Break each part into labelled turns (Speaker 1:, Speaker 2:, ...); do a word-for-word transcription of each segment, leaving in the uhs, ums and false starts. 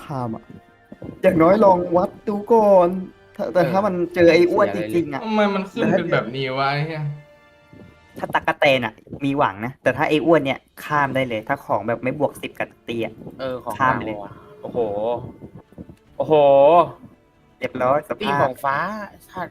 Speaker 1: คามอ่ะอย่างน้อยลองวัดดูก่อนถ้าแต่ถ้ามันเจอไอ้อ้วนจริงๆอ่ะ
Speaker 2: ทำไมมันขึ้นเป็นแบบนี้วะไอ้เหี้ย
Speaker 1: ถ้าตั๊กแตนอ่ะมีหวังนะแต่ถ้าไอ้อ้วนเนี่ยข้ามได้เลย ถ้าของแบบไม่บวกสิบกับตีอ่ะ
Speaker 3: เออของ
Speaker 1: ข้ามไปเลย
Speaker 3: กลางวะโอ้โหโอ้โห
Speaker 1: เรียบร้อยส
Speaker 3: ตี
Speaker 1: ภา
Speaker 3: ข
Speaker 1: พ
Speaker 3: องฟ้าชาติ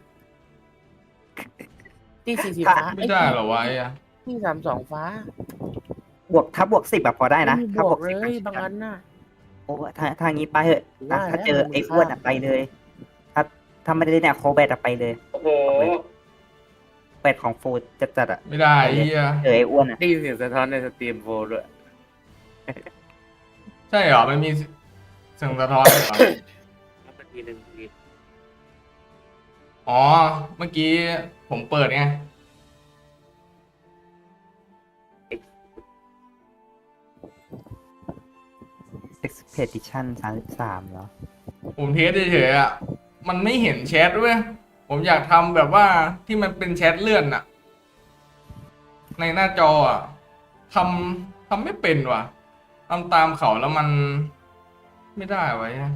Speaker 3: ตีสีสีฟ้า
Speaker 2: ไม่ได้เหรอวะไอ้เหี้ย
Speaker 3: ตีสามสองฟ้า
Speaker 1: บวกถ้าบวกสิบแบบพอได้นะ
Speaker 3: ไม่มี
Speaker 1: ถ้า
Speaker 3: บบ ว
Speaker 1: ว
Speaker 3: ก
Speaker 1: ก
Speaker 3: เล
Speaker 1: สิบ
Speaker 3: ยบางอันน่ะ
Speaker 1: โอ้ถ้าทางนี้ไปเถอะถ้า
Speaker 3: ว่า
Speaker 1: ถ้าเจอ
Speaker 3: แล้ว
Speaker 1: ไอ้อ้วนอ่ะไปเลย ถ้าถ้าไม่ได้เนี่ยโคแบตอะไปเลย
Speaker 3: โอ้โห
Speaker 1: แบตของฟูดจัดจัดๆอ่ะ
Speaker 2: ไม่ได้ไอ้เหี้ย
Speaker 1: เจอไอ้อ้วนอ่ะ
Speaker 3: ได้ยินเสียงสะท้อนในสตรีมโฟร์ด้วย
Speaker 2: ใช่เหรอมันมีเสียงสะท้อนเหรอ
Speaker 3: แล้วมันทีหนึ่งที
Speaker 2: อ๋อเมื่อกี้ผมเปิดไง
Speaker 1: expedition สามสิบสามเหรอ
Speaker 2: ผมเทสเฉยๆอ่ะมันไม่เห็นแชทด้วยผมอยากทำแบบว่าที่มันเป็นแชทเลื่อนอ่ะ ในหน้าจออ่ะทำทำไม่เป็นว่ะทำตามเขาแล้วมันไม่ได้ไว้อะ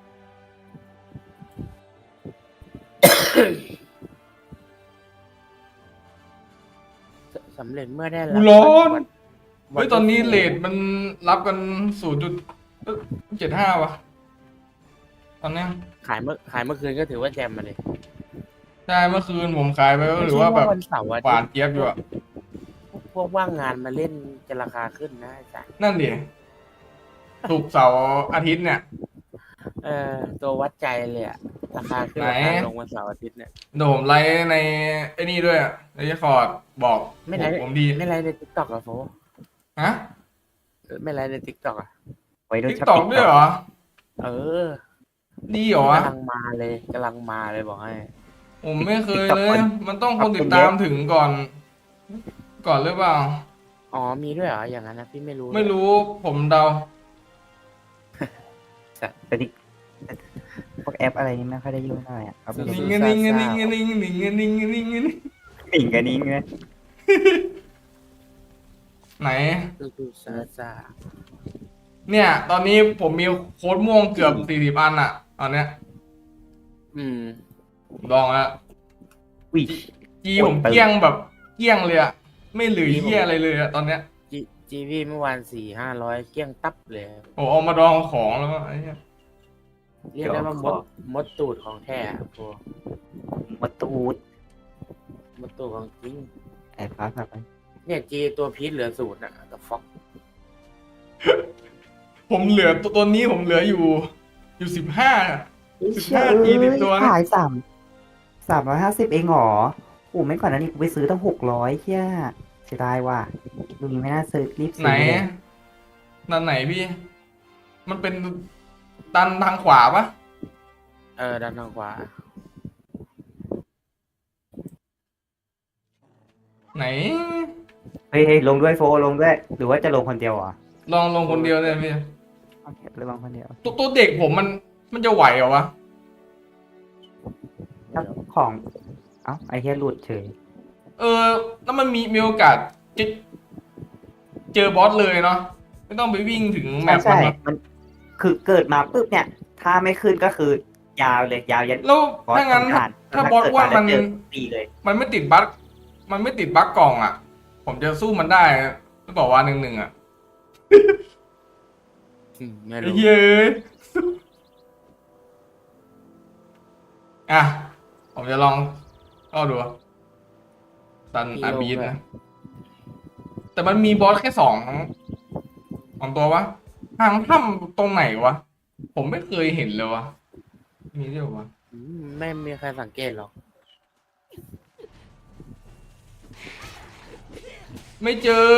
Speaker 3: สำเร็จเมื่อได้
Speaker 2: กู
Speaker 3: รับ
Speaker 2: ร้อน
Speaker 3: วั
Speaker 2: เฮ้ยตอนนี้เลทมันรับกันศูนย์จุดเจ็ดห้าวะตอนเนี้ย
Speaker 3: ขายเมื่อขายเมื่อคืนก็ถือว่าแจมมาเลย
Speaker 2: ใช่เมื่อคืนผมขายไปก็หรือว่าแบบ
Speaker 3: วันเสาร์อา
Speaker 2: หวาน
Speaker 3: ทิตย์
Speaker 2: เจี๊ยบอยู่อะ
Speaker 3: พวกว่างงานมาเล่นจะราคาขึ้นนะไอ้สัส
Speaker 2: นั่นดิถูกร์เสาร์อาทิตย์เนี่ย
Speaker 3: เออตัววัดใจเลยอะราคาขึ้น
Speaker 2: ไหน
Speaker 3: ราคาลงวันเสาร์อาทิตย์เนี่ย
Speaker 2: โดมไลฟ์ในไอ้นี่ด้วยอะในคอร์ดบอก
Speaker 3: ไม่ไลฟ์
Speaker 2: ผมดี
Speaker 3: ไม่ไลฟ์ในทิกตอกอะโฟ
Speaker 2: ฮะ
Speaker 3: เออไม่ไลฟ์ในทิกตอกอะ
Speaker 1: ไว้ด้วย
Speaker 2: ทิก
Speaker 1: ช้อป
Speaker 2: ตอก
Speaker 1: ปิ้ง
Speaker 2: ด้วยเหรอ
Speaker 3: เออ
Speaker 2: ดีเหรอวะ
Speaker 3: กำลังมาเลยกำลังมาเลยบอกให้
Speaker 2: ผมไม่เคยเลย มันต้องคนติดตามถึงก่อน ก่อนหรือเปล่า
Speaker 3: อ๋อมีด้วยเหรออย่างนั้นนะพี่ไม่รู้
Speaker 2: ไม่รู้ผมเดา
Speaker 1: แต่ดิพวกแอปอะไรนี่ไม่ค่อยได้ยุ่งเท่าไหร่อ่ะเอาไป
Speaker 2: นิ่
Speaker 1: เล่
Speaker 2: ง
Speaker 1: น
Speaker 2: นิ่งนิ่งนิ่งนิ่งนิ่งนิ่งนิ่งนิ่งนิ่ง
Speaker 1: ปิ่งกันนี้ไง
Speaker 2: ไหน
Speaker 3: ดูดูซาซา
Speaker 2: เนี่ย ตอนนี้ผมมีโค้ดม่วงเกือบสี่สิบอันอะตอนเนี้ย
Speaker 3: อืม
Speaker 2: ผมลองแล้ว
Speaker 1: อุ้ย
Speaker 2: จีผมเกลี้ยงแบบเกลี้ยงเลยอะไม่เหลือเหี้ยอะไรเลยอะตอนเนี้ย
Speaker 3: จีจีวีเมื่อวานสี่ห้าร้อยเกลี้ยงตับเลย
Speaker 2: โอ้เอามาดองของแล้วก็ไอ้เหี้ย
Speaker 3: เรียกได้ว่ามดมดตูดของแท้อะโฟ
Speaker 1: มาตูด
Speaker 3: มดตูดของจริง
Speaker 1: ไอ้ฟ้าแบบ
Speaker 3: เนี่ยจีตัวพีชเหลือศูนย์อ่ะกับฟ็อก
Speaker 2: ผมเหลือตัวตัวนี้ผมเหลืออยู่ อยู่สิบห้า สิบห้าทีติดตัวนะ
Speaker 1: ขายสามสามร้อยห้าสิบเองเหรอโอ้ไม่ก่อนนั้นนี่กูไปซื้อตั้งหกร้อยเที่ยเสียดายว่ะลุงไม่น่าซื้อรีบ
Speaker 2: ไหน
Speaker 1: ซื้อเลย
Speaker 2: นั่นไหนพี่ มันเป็นดันทางขวาปะ
Speaker 3: เออด้านทางขวา
Speaker 2: ไหน
Speaker 1: เฮ้ยเฮ้ยลงด้วยโฟลงด้วย หรือว่าจะลงคนเดียวเหรอ่ะ
Speaker 2: ลองลงคนเดียวเลยพี่
Speaker 1: โอเคลงคนเดียว
Speaker 2: ตัวตัวเด็กผมมันมันจะไหวเหรอวะ
Speaker 1: ถ้าของ เอ้าไอ้เหี้ยหลุดเฉย
Speaker 2: เออ แล้วมันมีมีโอกาสจะเจอบอสเลยเนาะไม่ต้องไปวิ่งถึงแม
Speaker 1: ใช่
Speaker 2: ป
Speaker 1: ใช่
Speaker 2: มัน
Speaker 1: มันคือเกิดมาปุ๊บเนี่ย ถ้าไม่ขึ้นก็คือยาวเลยยาวยัน
Speaker 2: แล้ว
Speaker 1: บอส
Speaker 2: ถ้างั้น
Speaker 1: ผ่าน
Speaker 2: ถ้าบอสอ้วนมัน
Speaker 1: เกิดมาแล้วเจอตีเลย
Speaker 2: มันไม่ติดบั๊กมันไม่ติดบั๊กกล่องอ่ะ ผมจะสู้มันได้หรือเปล่าวะหนึ่งหนึ่งอ่ะ
Speaker 3: อืมไม่
Speaker 2: ไอ้
Speaker 3: รู้
Speaker 2: เย้ยอ่ะ ผมจะลองเข้าดูซันอาบีดนะ แต่มันมีบอสแค่สองสองตัววะทางถ้ำตรงไหนวะ ผมไม่เคยเห็นเลยวะ มีด้วยวะ
Speaker 3: อืมไม่มีใครสังเกตหรอก
Speaker 2: ไม่เจอ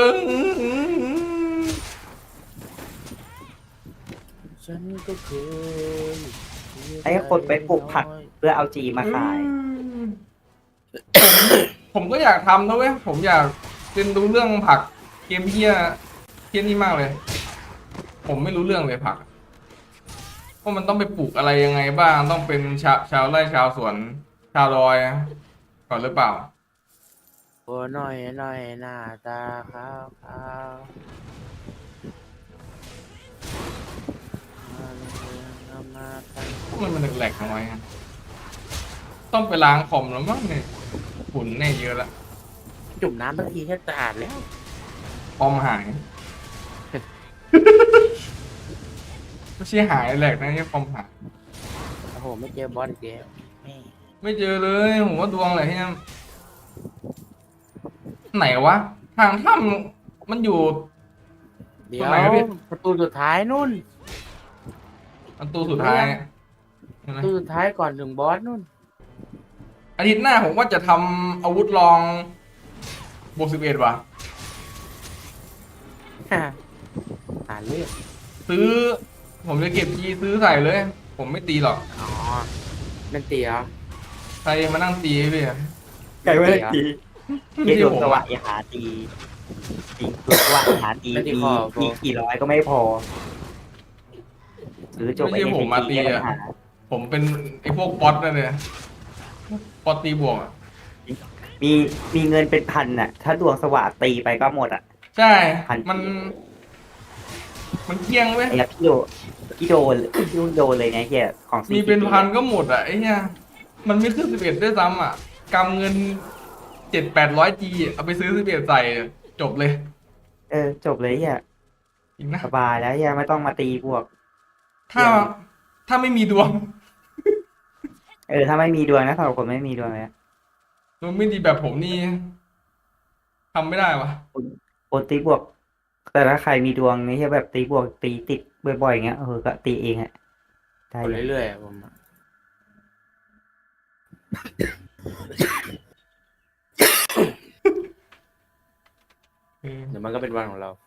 Speaker 3: ฉันก็เคย
Speaker 1: ไอ้คนไปปลูกผัก เพื่อเอาจีมาขาย
Speaker 2: ผมก็อยากทำนะเว้ย ผมอยากเรียนรู้เรื่องผักเกมเฮียเฮียนี่มากเลย ผมไม่รู้เรื่องเลยผักว่ามันต้องไปปลูกอะไรยังไงบ้าง ต้องเป็นชาวชาวไร่ชาวสวน ชาวดอยก่อนหรือเปล่า
Speaker 3: โอ้หน่อยหน่อยหน้าตาขาวขาว
Speaker 2: อมันมันแหลกๆเอาไว้อะต้องไปล้างคอมแล้วมั้งเนี่ยฝุ่นแน่เยอะละ
Speaker 3: จุ่มน้ำบางทีแค่สะอาดแล้ว
Speaker 2: คอมหาย ไม่ใช่หายแหลกนะเนี่ยคอมหาย
Speaker 3: โอ้โหไม่เจอบอสอีกแล้วแม่
Speaker 2: ไม่เจอเลยผมว่าดวงอะไรที่นั่นไหนวะทางถ้ำมันอยู่
Speaker 3: เดี๋
Speaker 2: ต
Speaker 3: ย
Speaker 2: ร
Speaker 3: ว
Speaker 2: งไหนวะพี่
Speaker 3: ประตูสุดท้ายนู่น
Speaker 2: ประตูสุดท้ายใช่
Speaker 3: ป
Speaker 2: ไหม
Speaker 3: ระตูสุดท้ายก่อนถึงบอสนู่น
Speaker 2: อาทิตย์หน้าผมว่าจะทำอาวุธลองบวกสิบเอ็ดว่ะ
Speaker 3: หาเรื่อง
Speaker 2: ซื้อ ผมจะเก็บทีซื้อใส่เลย ผมไม่ตีหรอก
Speaker 3: อ๋อนั่นเตี๋ยว
Speaker 2: ใครมานั่งตีพี่อะ
Speaker 1: ไก่ไม่ได้ตี
Speaker 2: ไม่
Speaker 1: เกี่ย
Speaker 2: ใช่
Speaker 1: ว
Speaker 2: ผม
Speaker 1: สวะ
Speaker 2: อะ
Speaker 1: อย่าหาตีจริงตัวสวะอย่าหาตีมีมีกี่ร้อยก็ไม่พอซื้อจบ
Speaker 2: ไม่ใช่ผมมาตีอะ
Speaker 1: หา
Speaker 2: ผมเป็นไอ้พวกป๊อตนั่นเลยป๊อตตีบวกอะ
Speaker 1: มีมีเงินเป็นพันน่ะ ถ้าดวงสวะตีไปก็หมดอ่ะ
Speaker 2: ใช่
Speaker 1: พัน
Speaker 2: มัน มันเกลี้ยงเว้ย
Speaker 1: ไอ้พี่โดพี่โดนพี่โดนเลยเนี่ยเฮียของ
Speaker 2: มีเป็นพันก็หมดอ่ะไอ้เนี่ยมันไม่ขึ้นสิบเอ็ดด้วยซ้ำอ่ะกำเงินเจ็ดแปดร้อยจีเอาไปซื้อสิบเอ็ดใส่จบเลย
Speaker 1: เออจบเลยเฮีย
Speaker 2: จริงนะ
Speaker 1: สบายแล้วเฮียไม่ต้องมาตีบวก
Speaker 2: ถ้าถ้าไม่มีดวง
Speaker 1: เออถ้าไม่มีดวงนะสำหรับคนไม่มีดวงเลย
Speaker 2: ดวงไม่ดีแบบผมนี่ทำไม่ได้วะ
Speaker 1: คนตีบวก แต่ถ้าใครมีดวงนี่จะแบบตีบวกตีติดบ่อยๆอย่างเงี้ยเออก็ตีเองอะได้
Speaker 3: กด
Speaker 1: อยู่
Speaker 3: เรื่อยๆอะผมอะ
Speaker 2: เออ
Speaker 3: เดี๋ยวมันก็เป็นวันของเรา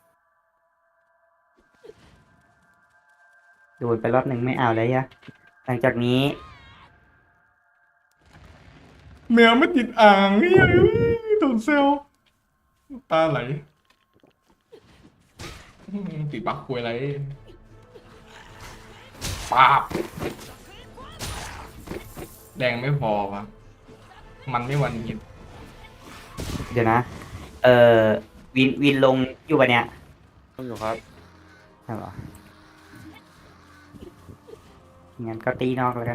Speaker 1: โดนไปรอบหนึ่งไม่เอาเลยอะหลังจากนี้
Speaker 2: แมวไม่ติดอ่างเนี่ยโดนเซลลตาไหลอืมติดบักคุยอะไรปาบแดงไม่พอวะมันไม่วันยิน
Speaker 1: เดี๋ยวนะ เออวินวินลงอยู่ปะเนี่ย
Speaker 3: ต้องอยู่ครับ
Speaker 1: ใช่ปะงั้นก็ตีนอกแล้วกัน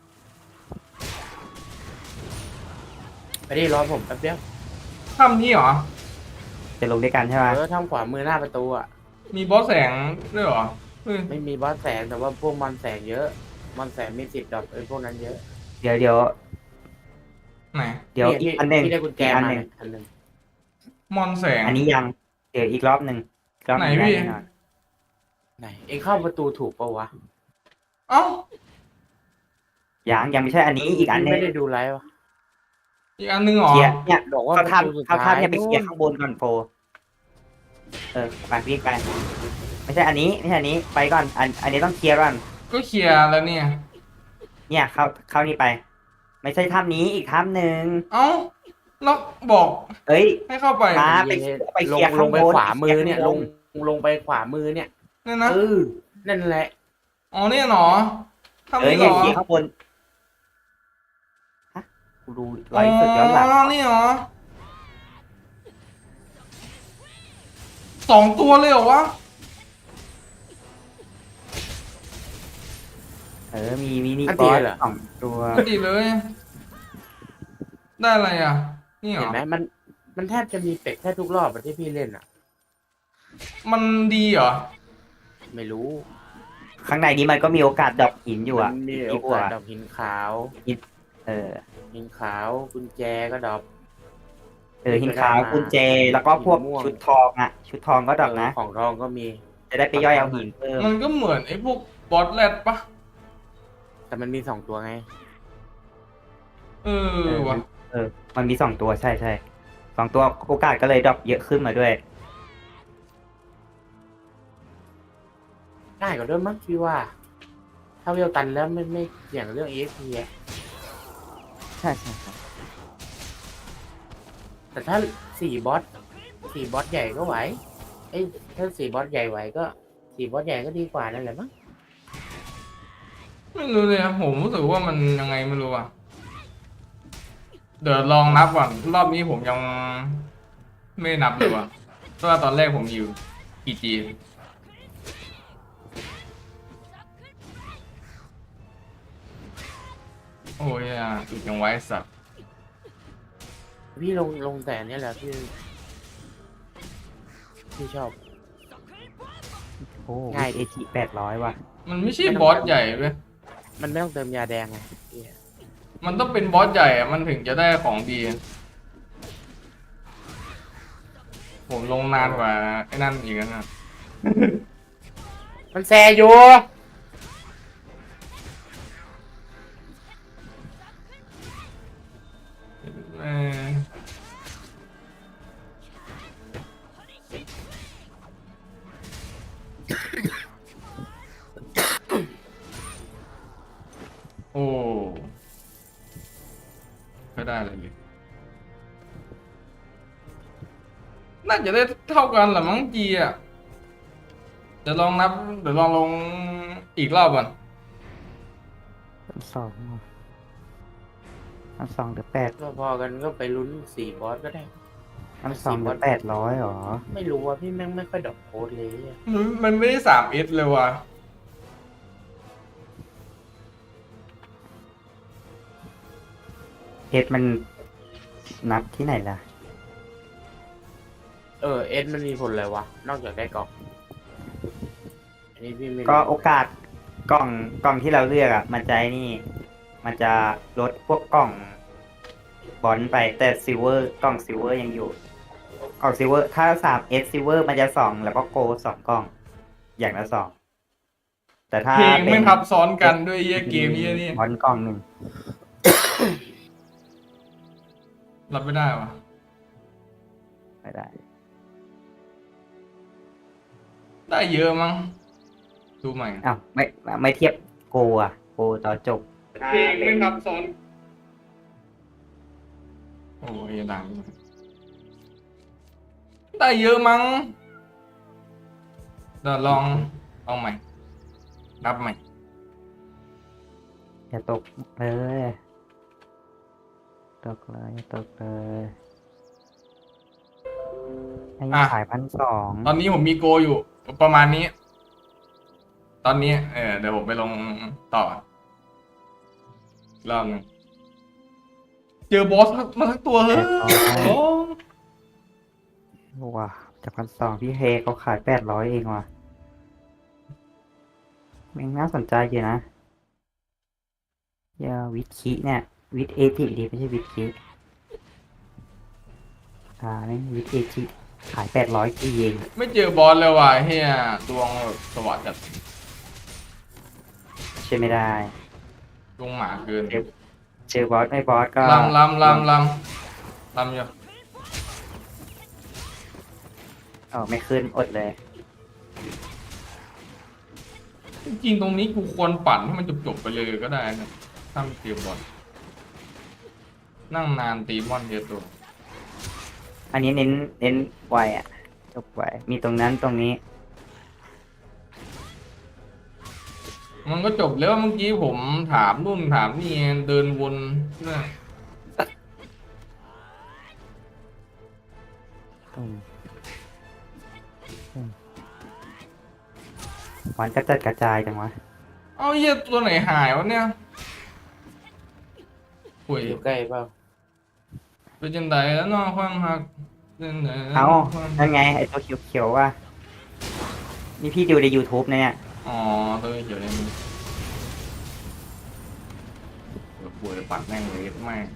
Speaker 3: ไปดิรอผมแป๊บเดียว
Speaker 2: ทำนี้เหรอ
Speaker 1: จะลงด้วยกันใช่ไหม
Speaker 3: เออทำขวามือหน้าประตูอ่ะ
Speaker 2: มีบอสแสงด้วยเหรอเฮ้ย
Speaker 3: ไม่มีบอสแสงแต่ว่าพวกมันแสงเยอะ มันแสงมีสิทธิ์ดรอปเออพวกนั้นเยอะ
Speaker 1: เดี๋ยวเดี๋ยว
Speaker 2: ไหน
Speaker 1: เดี๋ยว
Speaker 3: พี่
Speaker 1: อีกอันหนึ่ง
Speaker 3: พี่ได้กุญแจ
Speaker 1: อีกอัน
Speaker 3: มา
Speaker 1: หนึ่ง
Speaker 3: เนี่ยอันหนึ่ง
Speaker 2: มอนแสง
Speaker 1: อันนี้ยัง เดี๋ยวอีกรอบหนึ่งอีกรอบหนึ่ง
Speaker 2: ไหน
Speaker 1: ได้
Speaker 2: พี่
Speaker 1: แน่นอน
Speaker 3: ไหนเองเข้าประตูถูกปะวะ
Speaker 2: เอ้า
Speaker 1: ยังยังไม่ใช่อันนี้อีกอันหนึง
Speaker 3: ไม่ได้ดูไลฟ์วะ
Speaker 2: อีกอันนึงเหรอ
Speaker 1: เคลียร์เนี่ย
Speaker 3: บอกว่า
Speaker 1: เขา
Speaker 3: ประตูสุด
Speaker 1: ทำเขา
Speaker 3: ท้าย
Speaker 1: ทำเนี่ยไปเคลียร์
Speaker 3: นู่น
Speaker 1: ข้างบนก่อนโฟเออไปวิ่งไปไม่ใช่อันนี้ไม่ใช่อันนี้ไปก่อนอันอันนี้ต้องเคลียร์ก่อน
Speaker 2: ก็เคลียร์แล้วเนี่ย
Speaker 1: เนี่ยเข้าเข้านี่ไป ไม่ใช่ถ้ำนี้อีกถ้ำหนึ่ง
Speaker 2: เอ้าแล้วบอก
Speaker 1: เอ้ย
Speaker 2: ให้เข้าไป
Speaker 1: มา ไปไปเค
Speaker 3: ล
Speaker 1: ลี
Speaker 3: ง
Speaker 1: ยร์
Speaker 3: ล
Speaker 1: ข้าง
Speaker 3: งไป
Speaker 1: บน
Speaker 3: ขวามือเนี่ย
Speaker 1: เคลี
Speaker 3: ล
Speaker 1: ย
Speaker 3: ง
Speaker 1: ร์ข้าบ
Speaker 3: ลงไปขวามือเนี่ย
Speaker 2: เนี่ยนะ
Speaker 3: เออนั่นแหละ
Speaker 2: อ๋อเนี่ยเหรอทำ
Speaker 1: เอ้ย
Speaker 2: นี่เหร
Speaker 1: เนี่ย
Speaker 2: อ
Speaker 1: เคลียร์ข้างบนฮะกูดูไลฟ์สดย้อนหลัง
Speaker 2: อ๋อนี่เหรอสองตัวเลยเหรอวะ
Speaker 1: เออมีมินิ
Speaker 3: อัน
Speaker 1: บ
Speaker 3: ตี
Speaker 1: อส
Speaker 3: เหรอ
Speaker 1: สองตัว
Speaker 2: ไม่ดีเลย ได้อะไรอ่ะ นี่เหร
Speaker 3: เห็น
Speaker 2: อ
Speaker 3: ไหมมันมันแทบจะมีเป็ดแค่ทุกรอบอะที่พี่เล่นอ่ะ
Speaker 2: มันดีเหรอ
Speaker 3: ไม่รู้
Speaker 1: ข้างในนี้มันก็มีโอกาสดรอปหินอยู่
Speaker 3: มั
Speaker 1: อ่ะ
Speaker 3: นมี
Speaker 1: ที่
Speaker 3: โอ
Speaker 1: พว
Speaker 3: กาส
Speaker 1: อะ
Speaker 3: ดอกหินขาว
Speaker 1: เออ
Speaker 3: หินขาวกุญแจก็ดอก
Speaker 1: เออหินขาวกุญแจแล้วก็พวก
Speaker 3: หินม่วง
Speaker 1: ชุดทองอ่ะ ชุดทองก็ดรอปนะ
Speaker 3: เของทองก็มี
Speaker 1: จะได้ไปย่อยเอาหินเพิ่ม
Speaker 2: มันก็เหมือนไอ้พวกบอสแรดปะ
Speaker 3: แต่มันมีสองตัวไง
Speaker 2: เออวะ
Speaker 1: เออ มันมีสองตัวใช่ใช่สองตัวโอกาสก็เลยดรอปเยอะขึ้นมาด้วย
Speaker 3: ง่ายกว่าเดิมมั้งพี่ว่า ถ้าเวลตันแล้วไม่ไม่เสี่ยงเรื่อง เอ็กซ์ พี อะ
Speaker 1: ใช่ใช่ใช่
Speaker 3: แต่ถ้าสี่บอสสี่บอสใหญ่ก็ไหว เอ้ยถ้าสี่บอสใหญ่ไหวก็สี่บอสใหญ่ก็ดีกว่านั่นแหละมั้ง
Speaker 2: ไม่รู้เลยอะผมรู้สึกว่ามันยังไงไม่รู้อ่ะ เดี๋ยวลองนับก่อนรอบนี้ผมยังไม่นับเลยว่ะเพราะว่าตอนแรกผมอยู่กี่จีโอ้ยอ่ะอึดยังไว้สัตว์
Speaker 3: พี่ลงลงแต่เนี้ยแหละพี่พี่ชอบ
Speaker 1: โอ้
Speaker 3: ง่าย
Speaker 1: เอจิแปดร้อยว่ะ
Speaker 2: มันไม่ใช่บอสใหญ่เว้ย
Speaker 3: มันไม่ต้องเติมยาแดงไงเหี้ย
Speaker 2: มันต้องเป็นบอสใหญ่อะมันถึงจะได้ของดี ผมลงนานกว่าไอ้นั่นอีกนะ
Speaker 3: มันแซอยู่
Speaker 2: เออโอ้ไม่ได้อะไรเลยน่าจะได้เท่ากันแหละมั้งจีอ่ะเดี๋ยวลองนับ เดี๋ยวลองลงอีกรอบก่อน
Speaker 1: พันสองพันสองหรือแปด
Speaker 3: พอๆกันก็ไปลุ้นสี่บอสก็ได้
Speaker 1: พันสองหรือแปดร้อยหรอ
Speaker 3: ไม่รู้ว่าพี่แม่งไม่ค่อยดอกโค้ดเลยอะ
Speaker 2: มันมันไม่ได้สามเอสเลยว่ะ
Speaker 1: เอสมันนับที่ไหนล่ะ
Speaker 3: เออเอสมันมีผลอะไรวะ นอกจากได้กล่องอันนี้พี่ไม่รู้
Speaker 1: ก็โอกาสกล่องกล่องที่เราเลือกอ่ะ มันจะไอ้นี่ มันจะลดพวกกล่องบอลไปแต่ซิลเวอร์กล่องซิลเวอร์ยังอยู่ กล่องซิลเวอร์ถ้าสามเอสซิลเวอร์มันจะสองแล้วก็โกสองกล่อง อย่างละสองแต่ถ้า
Speaker 2: เพลง
Speaker 1: เป็
Speaker 2: ไม่
Speaker 1: น
Speaker 2: ทับซ้อนกันด้วยเยี่ยเกมเยี่ยนี่
Speaker 1: บอลกล่องหนึ่ง
Speaker 2: รับไม่ได้ว่ะ
Speaker 1: ไม่ได้
Speaker 2: ได้เยอะมั้ง ดูใหม่
Speaker 1: อ้าวไม่ไม่เทียบโกอ่ะโกตอนจบ
Speaker 2: เพลงไม่ทับซ้อน โอ้ยดังได้เยอะมั้งเดี๋ยวลองลองใหม่ นับใหม่
Speaker 1: อย่าตกเลยตกเลยอย่าตกเลยให้
Speaker 2: อ่ะ
Speaker 1: ขายพันสอง
Speaker 2: ตอนนี้ผมมีโกอยู่ ประมาณนี้ ตอนนี้ เออเดี๋ยวผมไปลงต่ออีกรอบหนึงเจอบอสมาทั้งตัวเฮ้ยโอ้
Speaker 1: ว้าจากพันสองพี่เฮเขาขายแปดร้อยเองว่ะมันน่าสนใจอยู่นะยาวิทคิเนี่ย วิทเอจิดีไม่ใช่วิทคิอ่านี่วิทเอจิขายแปดร้อยกี่เอง
Speaker 2: ไม่เจอบอสเลยว่ะเฮียดวงแบบสวัสดิ์จัด
Speaker 1: ใช่ไม่ได้
Speaker 2: ดวงหมาเกิน
Speaker 1: เจอบอสไม่บอสก็
Speaker 2: ลำลำลำลำลำอยู่
Speaker 1: เออไม่ขึ้นอดเลย
Speaker 2: จริงๆตรงนี้กูควรปั่นให้มันจบๆไปเลยก็ได้นะถ้าไม่เตรียมบอลนั่งนานตีมอนเยอะตัว
Speaker 1: อันนี้เน้นเน้นไวอ่ะจบไวมีตรงนั้นตรงนี้
Speaker 2: มันก็จบแล้วเมื่อกี้ผมถามนู่นถามนี่เดินวนนะ
Speaker 1: อืมอืมมันกระจัดกระจายจังวะ
Speaker 2: เอาเหี้ยตัวไหนหายวะเนี่ยป่วย
Speaker 3: อยู่ใกล้เปล่า
Speaker 2: เป็นจังไดแล้วเนาะความหักเป็นไหน
Speaker 1: เอานั่นไงไอตัวเขียวๆว่ะนี่พี่ดูใน YouTube นะเนี่ย
Speaker 2: อ๋อตัวเขียวเนี่ยมันเดี๋ยวป่วยปัดแม่งเลยแม่ง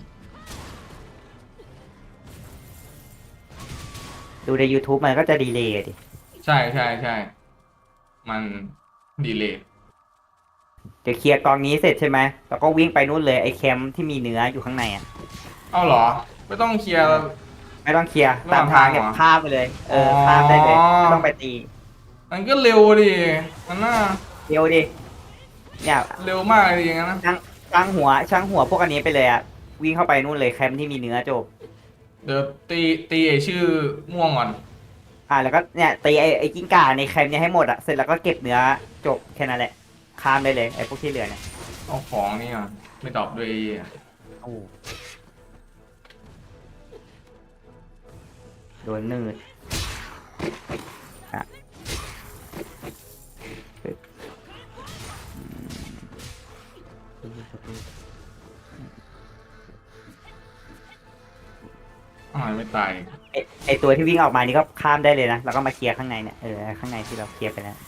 Speaker 1: ดูใน YouTube มันก็จะดีเลย์ดิ
Speaker 2: ใช่ใช่ใช่มันดีเลย
Speaker 1: เดี๋ยวเคลียร์กองนี้เสร็จใช่ไหมแล้วก็วิ่งไปนู่นเลยไอแคมป์ที่มีเนื้ออยู่ข้างในอ่ะ
Speaker 2: เอาเหรอ ไม่ต้องเคลียร์
Speaker 1: ไม่ต้องเคลียร์
Speaker 2: ระห
Speaker 1: ตา
Speaker 2: ว่าม ง
Speaker 1: ทางเนี่ย
Speaker 2: ทางเหรอ
Speaker 1: ข้ามไปเลย เออ
Speaker 2: อ๋อ
Speaker 1: ข้ามได้เลยไม่ต้องไปตี
Speaker 2: มันก็เร็วดิมันน่า
Speaker 1: เร็วดิเนี่ย
Speaker 2: เร็วมากเลยอย่างนั้นนะ
Speaker 1: ช่างช่างหัวช่างหัวพวกอันนี้ไปเลยอ่ะวิ่งเข้าไปนู่นเลยแคมป์ที่มีเนื้อจบ
Speaker 2: เดี๋ยวตีตีไอชื่อม่วงก่อน
Speaker 1: อ่าแล้วก็เนี่ยตีไอ้ไอ้กิ้งก่าในแคมป์เนี่ยให้หมดอ่ะเสร็จแล้วก็เก็บเนื้อจบแค่นั้นแหละข้ามได้เลยไอ้พวกที่เหลือเนี่ย
Speaker 2: เอาของนี่ก่อนไม่ตอบด้วยไอ้เหี้ย
Speaker 1: โอ้โดนนืดอ่ะปึ๊บอืม
Speaker 2: อ้าวไม่ตาย
Speaker 1: ไอไอตัวที่วิ่งออกมานี่ก็ข้ามได้เลยนะแล้วก็มาเคลียร์ข้างในเนี่ยเออข้างในที่เราเคลียร์ไปแล้ว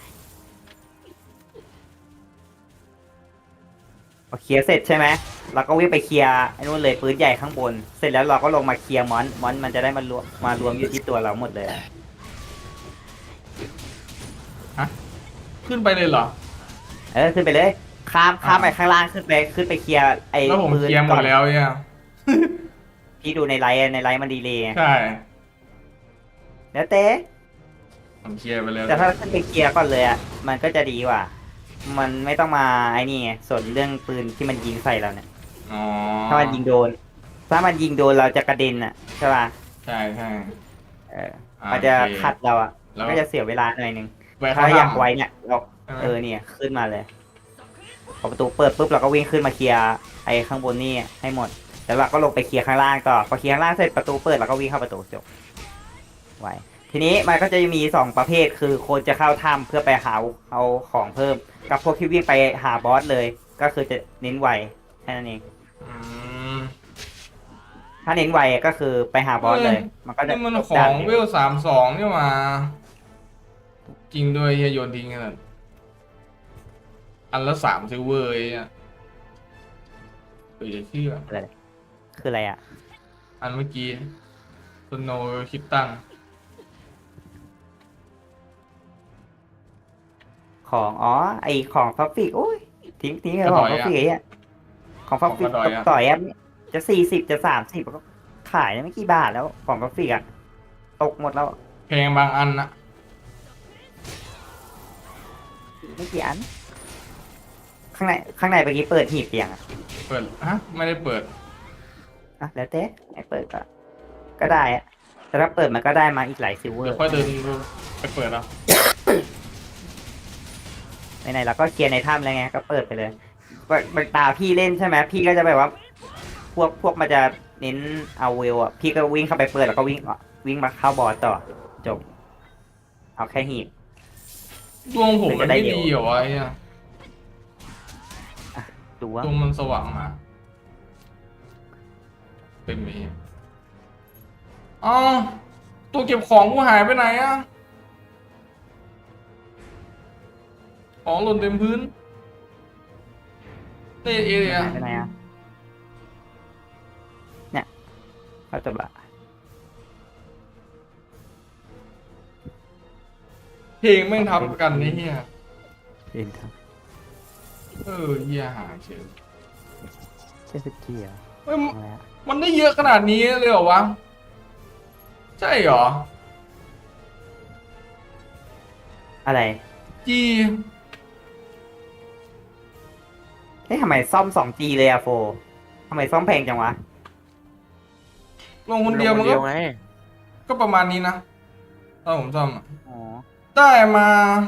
Speaker 1: พอเคลียร์เสร็จใช่ไหมเราก็วิ่งไปเคลียร์ไอ้นู่นเลยปืนใหญ่ข้างบน เสร็จแล้วเราก็ลงมาเคลียร์มอนมอนมันจะได้มารวมมารวมอยู่ที่ตัวเราหมดเลย
Speaker 2: ขึ้นไปเลยเหรอ
Speaker 1: เออขึ้นไปเลยข้ามข้ามไปข้างล่างขึ้นไปขึ้นไปเคลียร์ไอ้
Speaker 2: แล้วผม
Speaker 1: ปืน
Speaker 2: เคลียร์หม
Speaker 1: ก่อ
Speaker 2: ด
Speaker 1: น
Speaker 2: แล้วเนี่ย
Speaker 1: พี่ดูในไลน์ในไลน์มันดีเลยไง
Speaker 2: ใช่
Speaker 1: แล้วเต้
Speaker 2: ผมเคลียร์ไปแล้ว
Speaker 1: แต่ถ้าขึ้นไปเคลียร์ก่อนเลยอ่ะมันก็จะดีกว่า มันไม่ต้องมาไอ้นี่ไงสนเรื่องปืนที่มันยิงใส่เราเนี่ย
Speaker 2: อ๋อ
Speaker 1: ถ้ามันยิงโดน ถ้ามันยิงโดนเราจะกระเด็นอ่ะใช่ป่ะ
Speaker 2: ใช่ใช่
Speaker 1: เออ
Speaker 2: อ่า
Speaker 1: มันจะ
Speaker 2: โอเค
Speaker 1: ขัดเราอ่ะ
Speaker 2: แล้ว
Speaker 1: ก็จะเสียเวลาหน่อยนึง
Speaker 2: ไป
Speaker 1: ถ้า
Speaker 2: ข้าง
Speaker 1: อ
Speaker 2: ล่
Speaker 1: ยากไว้เนี่ยเรา
Speaker 2: ใช่ไหม
Speaker 1: เออเนี่ยขึ้นมาเลยพอประตูเปิดปุ๊บเราก็วิ่งขึ้นมาเคลียร์ไอ้ข้างบนนี่ให้หมด แล้วเราก็ลงไปเคลียร์ข้างล่างต่อพอเคลียร์ข้างล่างเสร็จประตูเปิดเราก็วิ่งเข้าประตูจบไว้ทีนี้มันก็จะมีสองประเภทคือคนจะเข้าถ้ำเพื่อไปหาเอาของเพิ่ม กับพวกที่วิ่งไปหาบอสเลย ก็คือจะเน้นไวแค่นั้นเอง
Speaker 2: อืม
Speaker 1: ถ้าเน้นไวก็คือไปหาบอสเลย มันก็จะ
Speaker 2: นี่มัน
Speaker 1: จบ
Speaker 2: ขอ
Speaker 1: ด่าน
Speaker 2: ง
Speaker 1: เดียว
Speaker 2: เวลสามสองนี่มา จริงด้วยเฮียโยนทิ้งกันอันละสามซิลเวอร์ไอ้เนี่ยเออจะเชื่อ
Speaker 1: คืออะไรอ่ะ
Speaker 2: อันเมื่อกี้สโนว์คิปตัน
Speaker 1: ของอ๋อไอของฟัฟฟิกโอ้ยทิ้งทิ้งเลยของฟัฟฟิกไอ้เนี่ยของฟัฟฟิกต่อยอ่ะจะสี่สิบจะสามสิบก็ขายได้ไม่กี่บาทแล้วของฟัฟฟิกอ่ะตกหมดแล้ว
Speaker 2: เพลงบางอันนะ
Speaker 1: ไม่กี่อัน ข้างในข้างในเมื่อกี้เปิดหีบเตียงอ่ะ
Speaker 2: เปิดฮะไม่ได้เปิด
Speaker 1: อ่ะแล้วเต้ไม่เปิดก็ก็ได้อ่ะแต่ถ้าเปิดมันก็ได้มาอีกหลายซิลเวอ
Speaker 2: เดี๋ยว
Speaker 1: ร์
Speaker 2: ค่อยเดินไปเปิดเอา
Speaker 1: ไหนๆเราก็เคลียร์ในถ้ำแล้วไงก็เปิดไปเลยมันตาพี่เล่นใช่ไหมพี่ก็จะแบบว่า พวกพวกมันจะเน้นเอาเวลอ่ะพี่ก็วิ่งเข้าไปเปิดแล้วก็วิ่งวิ่งมาเข้าบอสต่อจบ เอาแค่หีบ
Speaker 2: ดวงผม
Speaker 1: มั
Speaker 2: มัน
Speaker 1: นจะได้
Speaker 2: ไม่
Speaker 1: เร็ว
Speaker 2: ดีเหรอวะไอ้เนี่ย
Speaker 1: ดูว่า
Speaker 2: ดวงมันสว่างมา เป็นไหมอ๋อตัวเก็บของกูหายไปไหนอะของหล่นเต็มพื้นเตะเอเลยอะ
Speaker 1: หายไปไหนอ่ะเนี่ยเขาจะบะ
Speaker 2: เพลงแม่งทับกันนี่เฮีย
Speaker 1: เล่นครับ
Speaker 2: เออเฮียหายเฉย
Speaker 1: เจ็ดสิบกี่อ่ะ
Speaker 2: เฮ้ย
Speaker 1: อะไรอ่ะ
Speaker 2: มันได้เยอะขนาดนี้เลยเหรอวะ ใช่เหรอ
Speaker 1: อะไร
Speaker 2: จี
Speaker 1: เฮ้ยทำไมซ่อมสองจีเลยอะโฟทำไมซ่อมแพงจังวะ
Speaker 2: ลงคนเดียวมัน
Speaker 3: เดี
Speaker 2: ก็
Speaker 3: ยวไง
Speaker 2: ก็ประมาณนี้นะถ้าผมซ่อมอะ
Speaker 1: อ๋อ
Speaker 2: ได้มา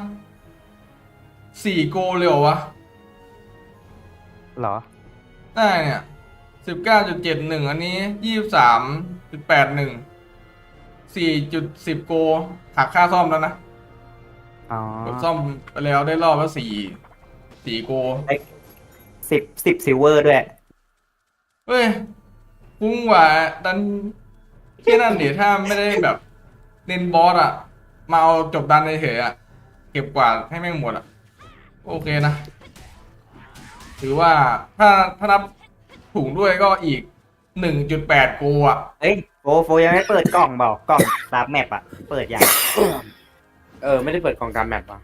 Speaker 2: สี่โกเลยเหรอวะ
Speaker 1: เหรอ
Speaker 2: ได้เนี่ยสิบเก้าจุดเจ็ดหนึ่งอันนี้ยี่สิบสามจุดแปดหนึ่งสี่จุดสิบโกหักค่าซ่อมแล้วนะ
Speaker 1: อ๋อ
Speaker 2: กดซ่อมไปแล้วได้รอบละสี่สี่โก
Speaker 1: สิบสิบซิลเวอร์ด้วย
Speaker 2: เฮ้ยคุ้มกว่าดันแค่นั้นเดี๋ยวถ้าไม่ได้แบบเล่นบอสอะมาเอาจบดันเฉยๆอะเก็บกวาดให้แม่งหมดอะโอเคนะ ถือว่าถ้าถ้านับถุงด้วยก็อีกหนึ่งจุดแปดโกอะ
Speaker 1: เอ้ยโฟโฟยังไม่เปิดกล่องเปล่ากล่องตามแมปอะเปิดยัง
Speaker 3: เออไม่ได้เปิดกล่องตามแมปว่ะ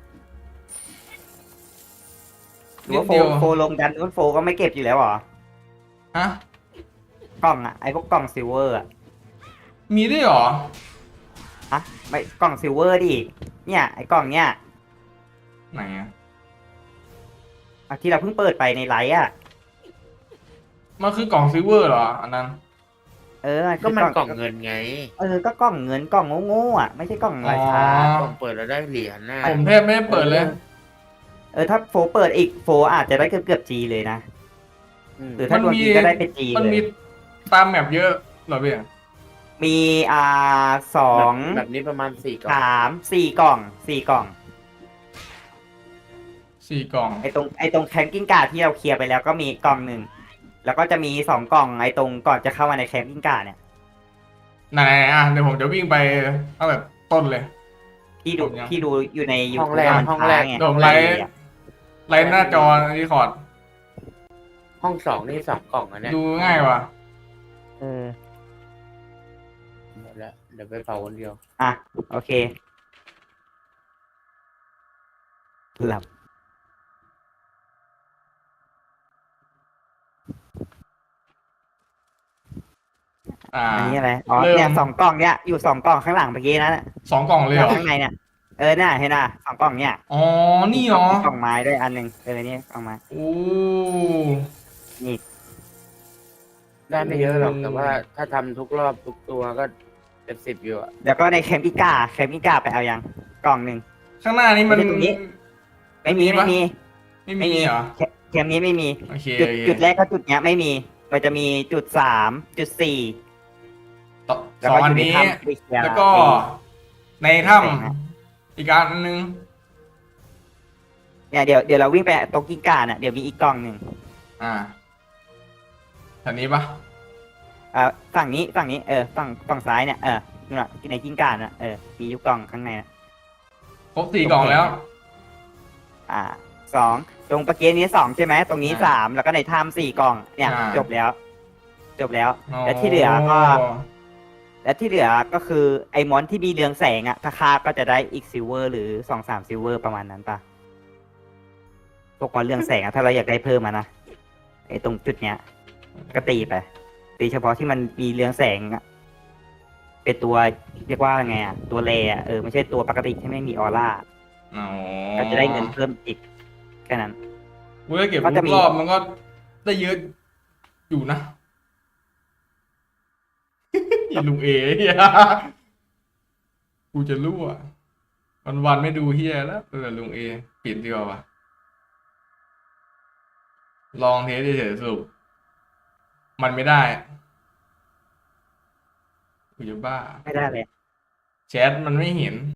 Speaker 1: หรือ
Speaker 2: นิด
Speaker 1: ว่าโฟ
Speaker 2: เดียว
Speaker 1: โฟลงดันนู้นโฟก็ไม่เก็บอยู่แล้วเหรอ
Speaker 2: ฮะ
Speaker 1: กล่องอะไอพวกกล่องซิลเวอร์อะ
Speaker 2: มีด้วยเหรอ
Speaker 1: ฮะไม่กล่องซิลเวอร์ดิเนี่ยไอกล่องเนี้ย
Speaker 2: ไหนอะ
Speaker 1: อ่ะที่เราเพิ่งเปิดไปในไลฟ์อะ
Speaker 2: มันคือกล่องซิลเวอร์เหรออันนั้น
Speaker 1: เออ
Speaker 3: ก็
Speaker 1: คือ
Speaker 3: มันกล่องเงินไง
Speaker 1: เออก็กล่องเงินกล่องโง่ๆอะไม่ใช่กล่องราคา
Speaker 2: อ๋อ
Speaker 3: กล่องเปิดแล้วได้เหรียญนะ
Speaker 2: ผมแทบไม่ได้เปิดเลย
Speaker 1: เออถ้าโฟเปิดอีกโฟอาจจะได้เกือบเกือบจีเลยนะ
Speaker 3: ม
Speaker 1: หรือถ้าดวงจีก็ได้เป็นจี
Speaker 2: มัน
Speaker 1: เล
Speaker 2: มี
Speaker 1: ย
Speaker 2: ตามแมปเยอะเหรอพี่
Speaker 1: มีอ่าสอง
Speaker 3: แบบแบบนี้ประมาณสี่กล่อง
Speaker 1: สามสี่กล่องสี่กล่อง
Speaker 2: สี่กล่อง
Speaker 1: ไอตรงไอตรงแคนกิ้งการ์ดที่เราเคลียร์ไปแล้วก็มีกล่องหนึ่งแล้วก็จะมีสองกล่องไอ้ตรงก่อนจะเข้ามาในแคมปิ้งการ์ดเนี่ย
Speaker 2: ไหนๆอ่ะเดี๋ยวผมจะวิ่งไปเอาแบบต้นเลย
Speaker 1: พี่ดู
Speaker 2: ผมยัง
Speaker 1: พี่ดูอยู่ในยู
Speaker 3: ห้อง
Speaker 1: ทูบ
Speaker 3: แรก
Speaker 1: มัน
Speaker 3: ห้อง
Speaker 1: ค้า
Speaker 3: แรก
Speaker 1: งไง
Speaker 2: เดี๋ยวผมไลฟ์ไลฟ์หน้าจอรีคอร์ด
Speaker 3: ห้องสองนี่สองกล่องอันเนี้ย
Speaker 2: ดูง่ายว่ะ
Speaker 1: เออ
Speaker 3: หมดแล้วเดี๋ยวไปเผาคนเดียว
Speaker 1: อ่ะโอเคหลับ
Speaker 2: อ่า
Speaker 1: อันนี้อะไรอ๋อ
Speaker 2: เริ่ม
Speaker 1: เนี่ยสองกล่องเนี่ยอยู่สองกล่องข้างหลังเมื่อกี้นั้นน่ะ
Speaker 2: สองกล่องเลยเหรอ
Speaker 1: ข้างในเนี่ยเออน่ะเห็นน่ะสองกล่องเนี่ย
Speaker 2: อ๋อนี่เหรอก
Speaker 1: ล่องไม้ด้วยอันหนึ่งเออนี่กล่องไม้
Speaker 2: โอ้
Speaker 1: นี่
Speaker 3: ได้ไม่เยอะหรอก
Speaker 2: อืม
Speaker 3: แต่ว่าถ้าทำทุกรอบทุกตัวก็เป็นสิบอยู่อะ
Speaker 1: แล้วก็ในแคมปิก้าแคมปิก้าไปเอายังกล่องหนึ่ง
Speaker 2: ข้างหน้านี้มัน
Speaker 1: ไม่ใช่ตรงนี้ ไม่มีไม่มี
Speaker 2: ไม่มีเหรอ
Speaker 1: แคแคมนี้ไม่มี
Speaker 2: โอเค
Speaker 1: จุด
Speaker 2: โอเค
Speaker 1: จุดแรกก็จุดเนี้ยไม่มี มันจะมีจุดสามจุดสี่
Speaker 2: ต่อ
Speaker 1: แล้ว
Speaker 2: สอง
Speaker 1: ก็อ
Speaker 2: อัน
Speaker 1: ยู่ใน
Speaker 2: นี้
Speaker 1: ถ้ำไปเคลียร์
Speaker 2: แล้วก็
Speaker 1: ไอ้
Speaker 2: ในถ้ำอีกอันนึง
Speaker 1: เนี่ยเดี๋ยวเดี๋ยวเราวิ่งไปโตกิก้าน่ะเดี๋ยวมีอีกกล่องหนึ่ง
Speaker 2: อ่าแถวนี้ปะ
Speaker 1: อ่าฝั่งนี้ฝั่งนี้เออฝั่งฝั่งซ้ายเนี่ยเออนู่นน่ะในกิ้งก่าน่ะเออมีอยุกกล่องข้างในน่ะ
Speaker 2: ครบสี่กล่องแล้ว
Speaker 1: อ่าสองตรงประเกนนี้สองใช่ไหมตรงนี้
Speaker 2: อ่า
Speaker 1: สามแล้วก็ในถ้ำสี่กล่องเนี่ย
Speaker 2: อ่า
Speaker 1: จบแล้ว จบแล้ว และที่เหลือก็
Speaker 2: อ๋อ
Speaker 1: และที่เหลือก็คือไอ้มอนที่มีเรืองแสงอะถ้าฆ่าก็จะได้อีกซิลเวอร์หรือสองสามซิลเวอร์ประมาณนั้นปะพวกมอนเรืองแสงอะถ้าเราอยากได้เพิ่มมานะไอ้ตรงจุดเนี้ย ก็ตีไปตีเฉพาะที่มันมีเรืองแสงอะเป็นตัวเรียกว่าไงอะตัวเลอะเออไม่ใช่ตัวปกติที่ไม่มีออร่า
Speaker 2: อ๋อ
Speaker 1: ก็จะได้เงินเพิ่มอีกแค่นั้น
Speaker 2: เว้ยเก็บ
Speaker 1: ก็
Speaker 2: ทุ
Speaker 1: จะ
Speaker 2: ก
Speaker 1: มี
Speaker 2: รอบมันก็ได้เยอะอยู่นะ อย่าลุงเอ๋เฮียกูจะรั่ววันวันๆไม่ดูเฮียแล้วเออลุงเอปิดดีกว่าวะลองเทสเฉยๆสรุปมันไม่ได้กูจะบ้า
Speaker 1: ไม่ได้เลย
Speaker 2: แชทมันไม่เห็น